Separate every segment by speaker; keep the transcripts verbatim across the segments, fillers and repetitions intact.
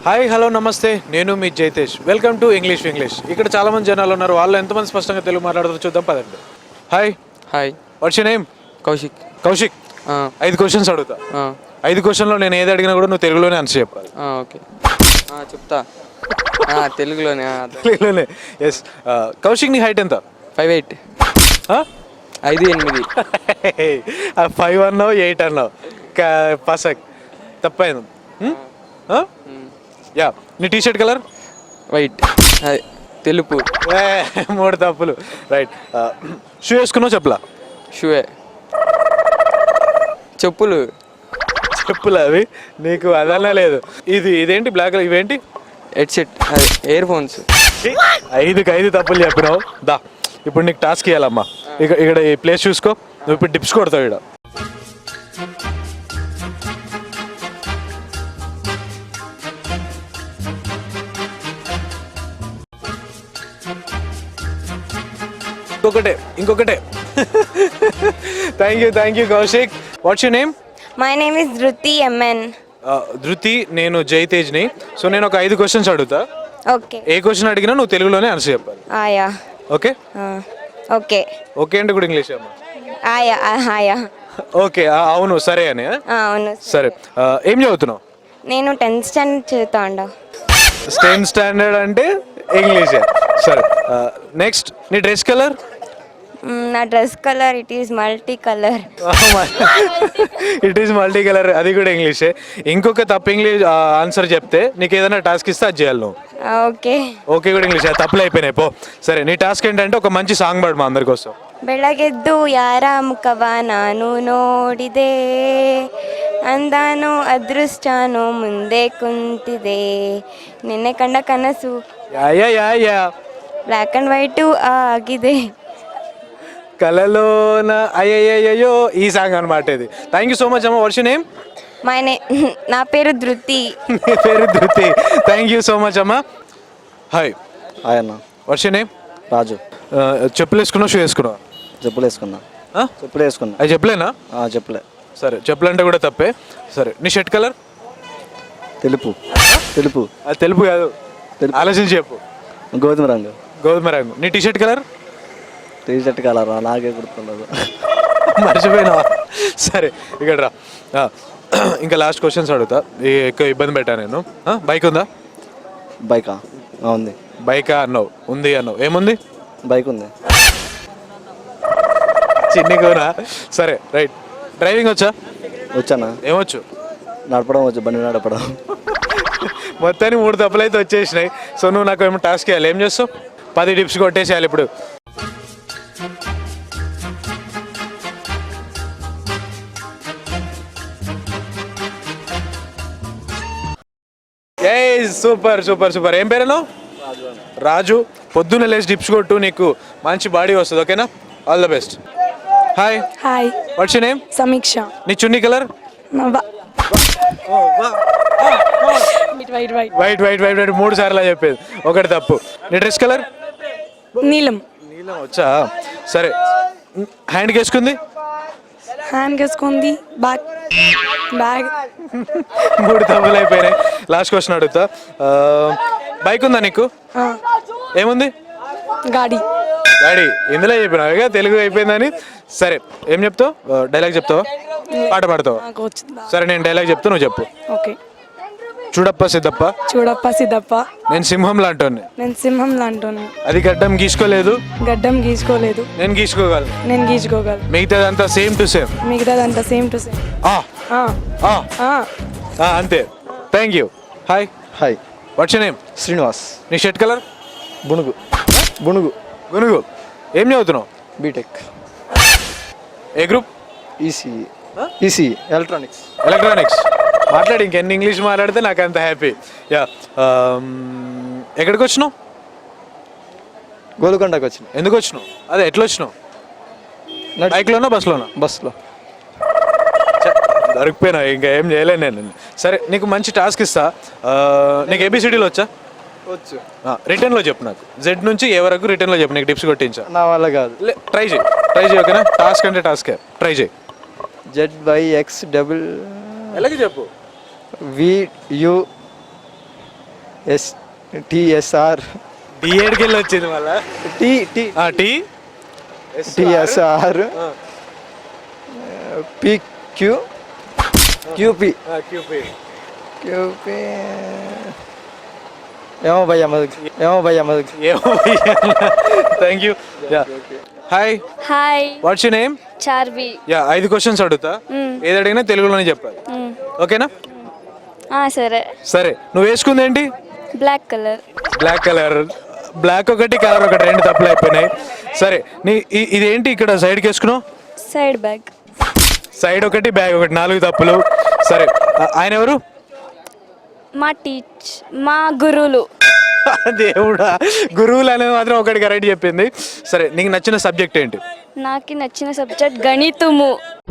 Speaker 1: Hi hello నమస్తే, నేను మీ Jaitesh. Welcome to English English. ఇక్కడ చాలా మంది జనాలు ఉన్నారు, వాళ్ళు ఎంతమంది స్పష్టంగా తెలుగు మాట్లాడుతారో చూద్దాం పదండి. Hi
Speaker 2: hi,
Speaker 1: what's your name?
Speaker 2: Kaushik.
Speaker 1: Kaushik, ఐదు క్వశ్చన్స్ అడుగుతా. ఐదు క్వశ్చన్లో నేను ఏది అడిగినా కూడా నువ్వు తెలుగులోనే ఆన్సర్ చెప్పాలి.
Speaker 2: ఓకే, చెప్తా. తెలుగులోనే
Speaker 1: తెలుగులోనే. ఎస్. కౌశిక్, నీ హైట్ ఎంత?
Speaker 2: Five eight. ఐదు ఎనిమిది.
Speaker 1: ఫైవ్ అన్నావు, ఎయిట్ అన్నావు. పసక్ తప్పైంది. యా, నీ టీ షర్ట్ కలర్?
Speaker 2: వైట్. తెలుపు.
Speaker 1: మూడు తప్పులు. రైట్. షూ వేసుకున్నావు చెప్పలా?
Speaker 2: షూవే. చెప్పులు.
Speaker 1: చెప్పులు అవి నీకు అదన్నా లేదు. ఇది ఇదేంటి బ్లాక్? ఇవేంటి?
Speaker 2: Headset, earphones.
Speaker 1: ఐదుకి ఐదు తప్పులు చెప్పినావు. దా, ఇప్పుడు నీకు టాస్క్ ఇవ్వాలమ్మా. ఇక్కడ ఇక్కడ ఈ ప్లేస్ చూసుకో, నువ్వు ఇప్పుడు డిప్స్ కొడతావు. ఇక్కడ ఇంకొకటే ఇంకొకటే thank you thank you Kaushik. What's your name?
Speaker 3: My name is Dhruti MN.
Speaker 1: Dhruti, నేను జైతేజ్ని. సో నేను ఒక ఐదు క్వశ్చన్స్ అడుగుతా.
Speaker 3: ఓకే.
Speaker 1: ఏ క్వశ్చన్ అడిగినా నువ్వు తెలుగులోనే ఆన్సర్ చెప్పాలి.
Speaker 3: ఆయా.
Speaker 1: Okay
Speaker 3: okay.
Speaker 1: ఓకే అంటే కూడా ఇంగ్లీష్ అమ్మా?
Speaker 3: ఆయా ఆయా.
Speaker 1: ఓకే, అవును సరే అని.
Speaker 3: అవును
Speaker 1: సరే. ఏం చదువుతున్నావు?
Speaker 3: నేను టెన్త్ స్టాండర్డ్ చదువుతా ఉండ.
Speaker 1: టెన్త్ స్టాండర్డ్ అంటే ఇంగ్లీషే. సరే, నెక్స్ట్. నీ డ్రెస్ కలర్?
Speaker 3: నా dress colour it is multi colour.
Speaker 1: It is multi colour, అది కూడా ఇంగ్లీషే. ఇంకొక తప్పు ఇంగ్లీష్ ఆన్సర్ చెప్తే నీకు ఏదైనా టాస్క్ ఇస్తే అది చేయాలి నువ్వు.
Speaker 3: ఓకే.
Speaker 1: ఓకే కూడా ఇంగ్లీష్, తప్పులు అయిపోయినాయి పో. సరే, నీ టాస్క్ ఏంటంటే ఒక మంచి సాంగ్ పాడు మా అందరి కోసం.
Speaker 3: ಬೆಳಗೆದ್ದು ಯಾರ ಮುಖವ ನಾನು ನೋಡಿದೆ, ಅಂದಾನು ಅದೃಷ್ಟನೋ ಮುಂದೆ ಕುಂತಿದೆ, ನಿನ್ನೆ ಕಂಡ ಕನಸು
Speaker 1: yeah yeah yeah yeah
Speaker 3: black and white ఆಗಿದೆ,
Speaker 1: కలలోన అయ్యయ్యో, ఈ సాంగ్ అనమాట ఇది. థ్యాంక్ యూ సో మచ్ అమ్మ. What's your name?
Speaker 3: మై నే నా పేరు ధృతి.
Speaker 1: నీ పేరు Dhruti. Thank you so much అమ్మ. హాయ్.
Speaker 4: హాయ్ అన్న.
Speaker 1: What's your name?
Speaker 4: రాజు.
Speaker 1: చెప్పులు వేసుకున్నావు, షూ వేసుకున్నావు?
Speaker 4: చెప్పులు వేసుకున్నా. చెప్పులు వేసుకున్నా.
Speaker 1: అది చెప్పలేనా?
Speaker 4: చెప్పులే.
Speaker 1: సరే, చెప్పులు అంటే కూడా తప్పే. సరే, నీ షర్ట్ కలర్?
Speaker 4: తెలుపు. తెలుపు.
Speaker 1: అది తెలుపు కాదు, ఆలోచించి చెప్పు.
Speaker 4: గోధుమ రంగు.
Speaker 1: గోధుమ రంగు. నీ T shirt colour?
Speaker 4: T shirt colour నాకే గుర్తుండదు.
Speaker 1: మర్చిపోయినా. సరే, ఇక్కడ రా. ఇంకా లాస్ట్ క్వశ్చన్స్ అడుగుతా, ఎక్కువ ఇబ్బంది పెట్టా నేను. బైక్ ఉందా?
Speaker 4: బైకా? ఉంది.
Speaker 1: బైకా అన్నావు, ఉంది అన్నావు. ఏముంది?
Speaker 4: బైక్ ఉంది.
Speaker 1: చిన్ని కూరా. సరే, రైట్. డ్రైవింగ్ వచ్చా?
Speaker 4: వచ్చానా?
Speaker 1: ఏమొచ్చు?
Speaker 4: నడపడం వచ్చు, బండి నడపడం.
Speaker 1: మొత్తానికి మూడు తప్పులు అయితే వచ్చేసినాయి. సో నువ్వు నాకు ఏమో టాస్క్ ఇవ్వాలి. ఏం చేస్తావు? పది టిప్స్ కొట్టేసేయాలి ఇప్పుడు. ఏ సూపర్ సూపర్ సూపర్. ఏం పేరు? రాజు. పొద్దున్న లేచి టిప్స్ కొట్టు, నీకు మంచి బాడీ వస్తుంది. ఓకేనా? All the best. Hi.
Speaker 5: Hi.
Speaker 1: What's your name?
Speaker 5: Sameeksha.
Speaker 1: నీ చున్నీ colour?
Speaker 5: White white
Speaker 1: white white white white మూడు సార్లు చెప్పేది, ఒకటి తప్పు. నీ డ్రెస్ కలర్?
Speaker 5: నీలం.
Speaker 1: నీలం వచ్చా? సరే, హ్యాండ్కి వేసుకుంది?
Speaker 5: హ్యాండ్ వేసుకుంది. బ్యాగ్. బ్యాగ్.
Speaker 1: మూడు తప్పులు అయిపోయినాయి. లాస్ట్ క్వశ్చన్ అడుగుతా. బైక్ ఉందా నీకు? ఏముంది?
Speaker 5: గాడి.
Speaker 1: గాడి. ఇందులో చెప్పినా తెలుగు అయిపోయిందని. సరే, ఏం చెప్తావు? డైలాగ్ చెప్తావా? పాట పాడతావా? సరే, నేను డైలాగ్ చెప్తా, నువ్వు చెప్పు.
Speaker 5: ఓకే.
Speaker 1: చూడప్ప సిద్ధప్ప,
Speaker 5: చూడప్ప సిద్ధప్ప,
Speaker 1: నేను సింహం లాంటోని,
Speaker 5: నేను సింహం లాంటోని,
Speaker 1: అది గడ్డం గీసుకోలేదు,
Speaker 5: గడ్డం గీసుకోలేదు,
Speaker 1: నేను గీసుకోగలను,
Speaker 5: నేను గీసుకోగలను,
Speaker 1: మిగతాదంతా సేమ్ టు సేమ్,
Speaker 5: మిగతాదంతా సేమ్ టు సేమ్.
Speaker 1: అంతే. Thank you. Hi.
Speaker 4: Hi.
Speaker 1: What's your name?
Speaker 4: Srinivas.
Speaker 1: నీ షర్ట్ కలర్?
Speaker 4: బునుగు. బునుగు.
Speaker 1: గునుగు. ఏం చదువుతున్నావు?
Speaker 4: బీటెక్.
Speaker 1: ఏ group?
Speaker 4: ECE. ECE electronics.
Speaker 1: Electronics. మాట్లాడి, ఇంకెన్ని ఇంగ్లీష్ మాట్లాడితే నాకు అంత హ్యాపీ. యా. ఎక్కడికి వచ్చినావు?
Speaker 4: గోల్కొండకి వచ్చిన.
Speaker 1: ఎందుకు వచ్చినావు? అదే ఎట్లా వచ్చినావు? బైక్లోనా బస్లోనా?
Speaker 4: బస్లో.
Speaker 1: దొరికిపోయినా, ఇంకా ఏం చేయలేను నేను. సరే, నీకు మంచి టాస్క్ ఇస్తా. నీకు ఏబిసిడీలో వచ్చా?
Speaker 4: వచ్చు.
Speaker 1: రిటర్న్లో చెప్పు నాకు. జెడ్ నుంచి ఏ వరకు రిటర్న్లో చెప్పు, నీకు టిప్స్ కొట్టించా.
Speaker 4: నా వల్ల కాదు.
Speaker 1: ట్రై చేయి ట్రై చేయి ఓకేనా? టాస్క్ అంటే టాస్కే, ట్రై చేయి.
Speaker 4: జెడ్ వై ఎక్స్ డబుల్
Speaker 1: ఎలాగే చెప్పు.
Speaker 4: వి యు ఎస్ టిఎస్ఆర్
Speaker 1: డిఏడ్కి వెళ్ళి వచ్చింది మళ్ళా
Speaker 4: T T
Speaker 1: T
Speaker 4: TSR PQ QP
Speaker 1: QP
Speaker 4: QP ఏమో భయ్యా మధుకి ఏమో భయ్యా మధుకి
Speaker 1: ఏమో thank you yeah hi
Speaker 3: hi
Speaker 1: what's you name
Speaker 3: Charvi
Speaker 1: yeah ఐదు క్వశ్చన్స్ అడుగుతా ఏది అడిగినా తెలుగులోనే చెప్పాలి ఓకేనా
Speaker 3: సరే
Speaker 1: సరే నువ్వు వేసుకుంది ఏంటి
Speaker 3: black colour
Speaker 1: black colour black ఒకటి కలర్ ఒకటి రెండు తప్పులు అయిపోయినాయి సరే నీ ఇ- ఇదేంటి ఇక్కడ సైడ్కి వేసుకున్నావు
Speaker 3: సైడ్ బ్యాగ్
Speaker 1: సైడ్ ఒకటి బ్యాగ్ ఒకటి నాలుగు తప్పులు సరే ఆ- ఆయన ఎవరు
Speaker 3: మా టీచ్ మా గురువులు
Speaker 1: దేవుడా గురువులు అనేది మాత్రం ఒకటి కరెక్ట్ చెప్పింది సరే నీకు నచ్చిన సబ్జెక్ట్ ఏంటి
Speaker 3: నాకు నచ్చిన సబ్జెక్ట్ గణితము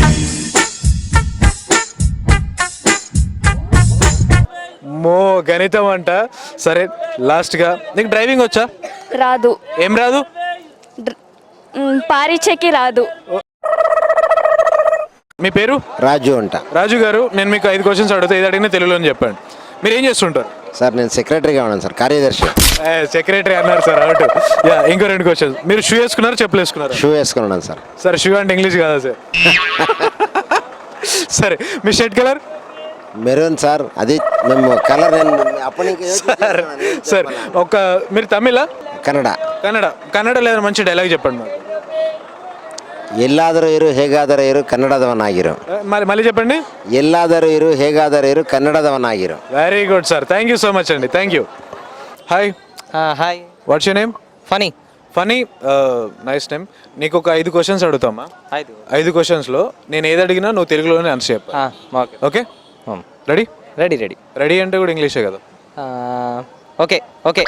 Speaker 1: మో గణితం అంట సరే లాస్ట్గా నీకు డ్రైవింగ్ వచ్చా
Speaker 3: రాదు
Speaker 1: ఏం రాదు
Speaker 3: డ్ర- మ్, పారిచెకి రాదు
Speaker 1: మీ పేరు
Speaker 6: రాజు అంట.
Speaker 1: రాజు గారు నేను మీకు ఐదు క్వశ్చన్స్ అడుగుతా ఇది అడిగినా తెలుగులో చెప్పండి మీరు ఏం చేస్తుంటారు
Speaker 6: సార్ నేను సెక్రటరీగా ఉన్నాను సార్, కార్యదర్శి.
Speaker 1: సెక్రటరీ అన్నారు సార్ అవుట్ యా ఇంకో రెండు క్వశ్చన్స్ మీరు షూ వేసుకున్నారు చెప్పులు వేసుకున్నారు
Speaker 6: షూ వేసుకుని ఉన్నాను సార్.
Speaker 1: సార్ షూ అంటే ఇంగ్లీష్ కాదా సార్ సరే మీ షర్ట్ కలర్
Speaker 6: మెరూన్ సార్, అది మేము కలర్ నేను అప్పటి నుంచి
Speaker 1: సార్ సార్ ఒక మీరు తమిళ
Speaker 6: కన్నడ.
Speaker 1: కన్నడ కన్నడ లేదా మంచి డైలాగ్ చెప్పండి మాకు
Speaker 6: ಎಲ್ಲಾದರೂ ಇರು ಹೇಗಾದರೂ ಇರು ಕನ್ನಡದವನಾಗಿರು.
Speaker 1: ఆ, మళ్ళీ మళ్ళీ చెప్పండి
Speaker 6: ಎಲ್ಲಾದರೂ ಇರು ಹೇಗಾದರೂ ಇರು ಕನ್ನಡದವನಾಗಿರು.
Speaker 1: Very good sir thank you so much అండి thank you hi
Speaker 7: hi
Speaker 1: what's you name
Speaker 7: Phani
Speaker 1: Phani nice name నీకు ఒక ఐదు క్వశ్చన్స్ అడుగుతామా
Speaker 7: ఐదు
Speaker 1: ఐదు క్వశ్చన్స్లో నేను ఏది అడిగినా నువ్వు తెలుగులోనే ఆన్సర్ చెప్పాలి
Speaker 7: okay
Speaker 1: okay ready
Speaker 7: ready ready
Speaker 1: ready అంటే కూడా ఇంగ్లీషే కదా
Speaker 7: ఓకే ఓకే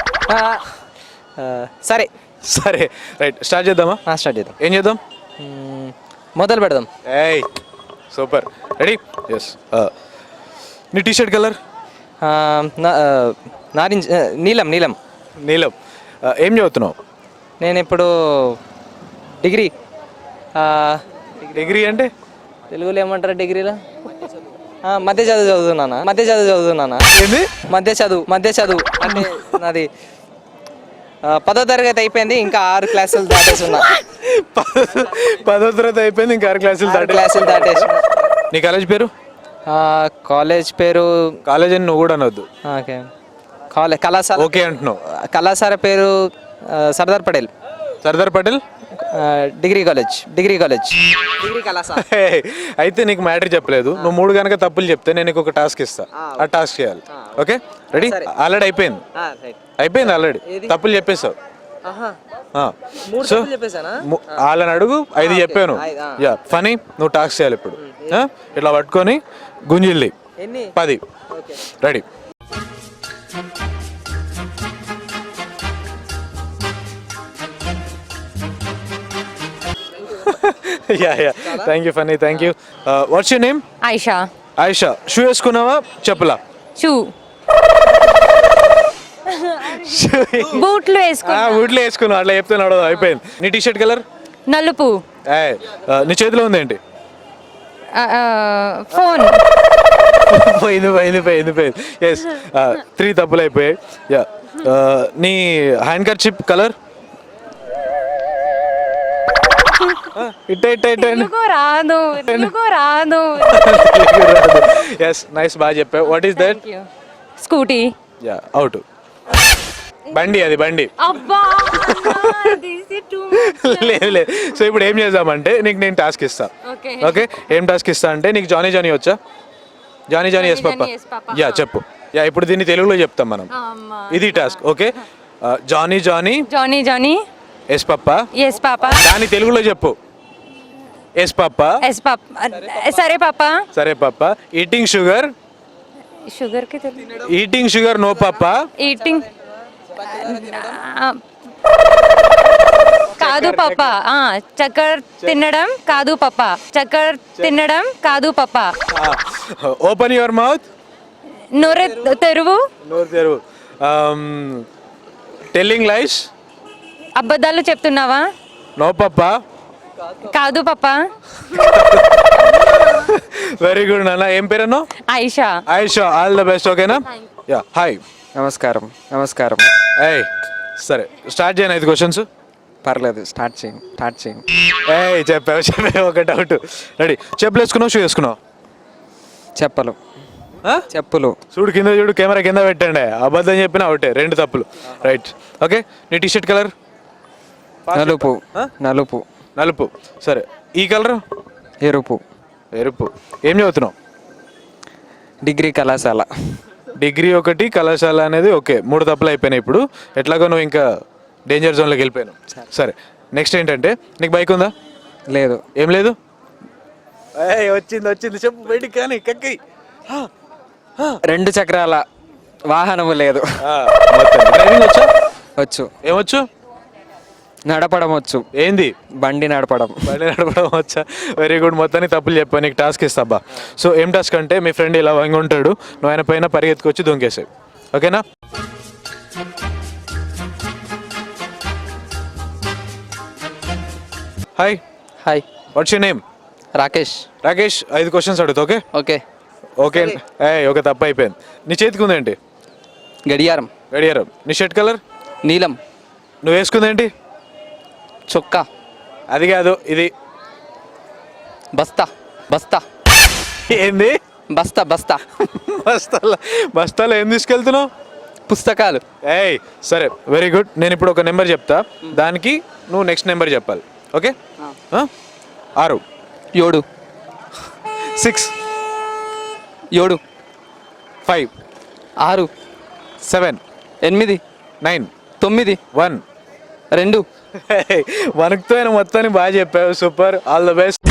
Speaker 7: సరే
Speaker 1: సరే రైట్ స్టార్ట్ చేద్దామా
Speaker 7: స్టార్ట్ చేద్దాం
Speaker 1: ఏం చేద్దాం
Speaker 7: మ్మ్, మొదలు పెడదాం
Speaker 1: ఏయ్ సూపర్ రెడీ ఎస్ నీ టీ షర్ట్ కలర్
Speaker 7: ఆ, నా- ఆ, నారింజ ఆ, నీలం నీలం
Speaker 1: నీలం Uh, ఏం చదువుతున్నావు
Speaker 7: నేను ఇప్పుడు డిగ్రీ ఆ,
Speaker 1: డిగ్రీ అంటే
Speaker 7: తెలుగులో ఏమంటారు డిగ్రీలో ఆ, మధ్య చదువు చదువుతున్నానా మధ్య చదువు చదువుతున్నానా
Speaker 1: ఏంది
Speaker 7: మధ్య చదువు మధ్య చదువు అంటే నాది ఆ, పదో తరగతి అయిపోయింది ఇంకా ఆరు క్లాసులు దాటేస్తున్నా
Speaker 1: పదో- పదో తరగతి అయిపోయింది ఇంకా ఆరు క్లాసులు
Speaker 7: ఆరు
Speaker 1: దాటి
Speaker 7: క్లాసులు దాటేస్తున్నా
Speaker 1: నీ కాలేజ్ పేరు
Speaker 7: ఆ, కాలేజ్ పేరు
Speaker 1: కాలేజ్ అని నువ్వు కూడా అనొద్దు
Speaker 7: ఓకే కాలేజ్ కళాశాల
Speaker 1: ఓకే అంటున్నావు
Speaker 7: కళాశాల పేరు ఆ, సర్దార్ పటేల్
Speaker 1: సర్దార్ పటేల్
Speaker 7: ఆ, degree college degree college degree కళాశాల
Speaker 1: హే, అయితే నీకు మ్యాటర్ చెప్పలేదు నువ్వు మూడు కనుక తప్పులు చెప్తే నేను నీకు ఒక టాస్క్ ఇస్తా ఆ టాస్క్ చేయాలి ఓకే రెడీ ఆల్రెడీ అయిపోయింది అయిపోయింది ఆల్రెడీ తప్పులు చెప్పేస్తావు సో వాళ్ళని అడుగు ఐదు చెప్పాను యా ఫనీ నువ్వు టాస్క్ చేయాలి ఇప్పుడు ఆ? ఇట్లా పట్టుకొని గుంజిల్ది
Speaker 7: ఎన్ని
Speaker 1: పది ready yeah yeah thank you Phani thank you what's you name
Speaker 8: Ayesha
Speaker 1: Ayesha shoe వేసుకున్నావా చెప్పులా
Speaker 8: షూ బూట్లు వేసుకున్నా
Speaker 1: ఊట్లో వేసుకున్నావు అట్లా చెప్తే నడవదు అయిపోయింది నీ టీ షర్ట్ కలర్
Speaker 8: నలుపు
Speaker 1: ఏయ్, ఆ, నీ చేతిలో ఉంది ఏంటి
Speaker 8: ఆ, ఆ, ఫోన్
Speaker 1: పోయింది పోయింది పోయింది పోయింది ఎస్ త్రీ తప్పులు అయిపోయాయి యా నీ హ్యాండ్ కర్చిప్ కలర్ ఇట్ట ఇట్ట ఇట్ట
Speaker 8: తెలుగు రాదు తెలుగు రాదు
Speaker 1: ఎస్ నైస్ బాగా చెప్పావు what is that
Speaker 8: Scooty
Speaker 1: yeah out బండి అది బండి
Speaker 8: అబ్బా
Speaker 1: లేదు లేదు సో ఇప్పుడు ఏం చేద్దామంటే నీకు నేను టాస్క్ ఇస్తా
Speaker 8: ఓకే
Speaker 1: ఓకే ఏం టాస్క్ ఇస్తా అంటే నీకు జానీ జానీ వచ్చా Johnny Johnny yes papa
Speaker 8: Johnny yes papa.
Speaker 1: Yeah చెప్పు యా ఇప్పుడు దీన్ని తెలుగులో చెప్తాం మనం ఇది task okay Johnny Johnny
Speaker 8: Johnny Johnny
Speaker 1: yes papa
Speaker 8: yes papa
Speaker 1: దాని తెలుగులో చెప్పు ఎస్ పప్ప
Speaker 8: ఎస్ పాప సరే పాప
Speaker 1: సరే పప్ప ఈటింగ్ షుగర్
Speaker 8: షుగర్ కి Telugu
Speaker 1: eating sugar no papa
Speaker 8: eating కాదు పాప చక్కెర తినడం కాదు పాప చక్కెర తినడం కాదు పాప
Speaker 1: ఓపెన్ యువర్ మౌత్
Speaker 8: నోరె తెరువు
Speaker 1: నోరు తెరువు టెల్లింగ్ లైస్
Speaker 8: అబద్ధాలు చెప్తున్నావా
Speaker 1: నో పప్ప
Speaker 8: కాదు పాప
Speaker 1: వెరీ గుడ్ నాన్న ఏం పేరన్నా
Speaker 8: Ayesha
Speaker 1: Ayesha all the best ఓకేనా యా హాయ్
Speaker 2: నమస్కారం నమస్కారం
Speaker 1: ఏయ్ సరే స్టార్ట్ చేయను ఐదు క్వశ్చన్స్.
Speaker 2: పర్లేదు స్టార్ట్ చేయండి స్టార్ట్ చేయండి
Speaker 1: ఏయ్ చెప్పావు చెప్పావు ఒక డౌట్. రెడీ చెప్పులు వేసుకున్నావు షూ వేసుకున్నావు?
Speaker 2: చెప్పలు
Speaker 1: ఆ?
Speaker 2: చెప్పులు
Speaker 1: చూడు కింద చూడు కెమెరా కింద పెట్టండి. అబద్ధం చెప్పిన ఒకటే రెండు తప్పులు. Right okay. నీ టీ షర్ట్ కలర్?
Speaker 2: నలుపు
Speaker 1: ఆ?
Speaker 2: నలుపు
Speaker 1: నలుపు. సరే ఈ కలర్?
Speaker 2: ఎరుపు
Speaker 1: ఎరుపు. ఏం చదువుతున్నావు?
Speaker 2: డిగ్రీ కళాశాల
Speaker 1: డిగ్రీ ఒకటి కళాశాల అనేది ఓకే. మూడు తప్పులు అయిపోయినాయి ఇప్పుడు. ఎట్లాగో నువ్వు ఇంకా డేంజర్ జోన్లోకి వెళ్ళిపోయాను. సరే నెక్స్ట్ ఏంటంటే నీకు బైక్ ఉందా?
Speaker 2: లేదు
Speaker 1: ఏం లేదు? ఏయ్ వచ్చింది వచ్చింది చెప్పు బయటికి కానీ కక్కి.
Speaker 2: రెండు చక్రాల వాహనము లేదు.
Speaker 1: డ్రైవింగ్ వచ్చా?
Speaker 2: వచ్చు
Speaker 1: ఏమొచ్చు?
Speaker 2: నడపడం వచ్చు.
Speaker 1: ఏంది?
Speaker 2: బండి నడపడం
Speaker 1: బండి నడపడం వచ్చా? Very good. మొత్తానికి తప్పులు చెప్పా. నీకు టాస్క్ ఇస్తాబ్బా. సో ఏం టాస్క్ అంటే మీ ఫ్రెండ్ ఇలా వంగి ఉంటాడు, నువ్వు ఆయన పైన పరిగెత్తుకొచ్చి దొంగేసావు. ఓకేనా? Hi
Speaker 7: hi
Speaker 1: what's you name?
Speaker 7: Rakesh.
Speaker 1: Rakesh ఐదు క్వశ్చన్స్ అడుగుతా. Okay
Speaker 7: okay.
Speaker 1: ఓకే. ఏ ఒక తప్పు అయిపోయింది. నీ చేతికి ఉందేంటి?
Speaker 7: గడియారం.
Speaker 1: గడియారం. నీ షర్ట్ కలర్?
Speaker 7: నీలం.
Speaker 1: నువ్వు వేసుకుందేంటి?
Speaker 7: చొక్కా.
Speaker 1: అది కాదు ఇది.
Speaker 7: బస్తా. బస్తా.
Speaker 1: ఏంది?
Speaker 7: బస్తా బస్తా.
Speaker 1: బస్తాలో బస్తాలో ఏం తీసుకెళ్తున్నావు?
Speaker 7: పుస్తకాలు.
Speaker 1: ఏయ్ సరే వెరీ గుడ్. నేను ఇప్పుడు ఒక నెంబర్ చెప్తా, దానికి నువ్వు నెక్స్ట్ నెంబర్ చెప్పాలి. ఓకే? ఆ? ఆరు.
Speaker 7: ఏడు.
Speaker 1: సిక్స్.
Speaker 7: ఏడు.
Speaker 1: ఫైవ్.
Speaker 7: ఆరు.
Speaker 1: సెవెన్.
Speaker 7: ఎనిమిది.
Speaker 1: నైన్.
Speaker 7: తొమ్మిది.
Speaker 1: వన్.
Speaker 7: రెండు.
Speaker 1: వణుకుతో మొత్తాన్ని బాగా చెప్పావు. సూపర్. All the best.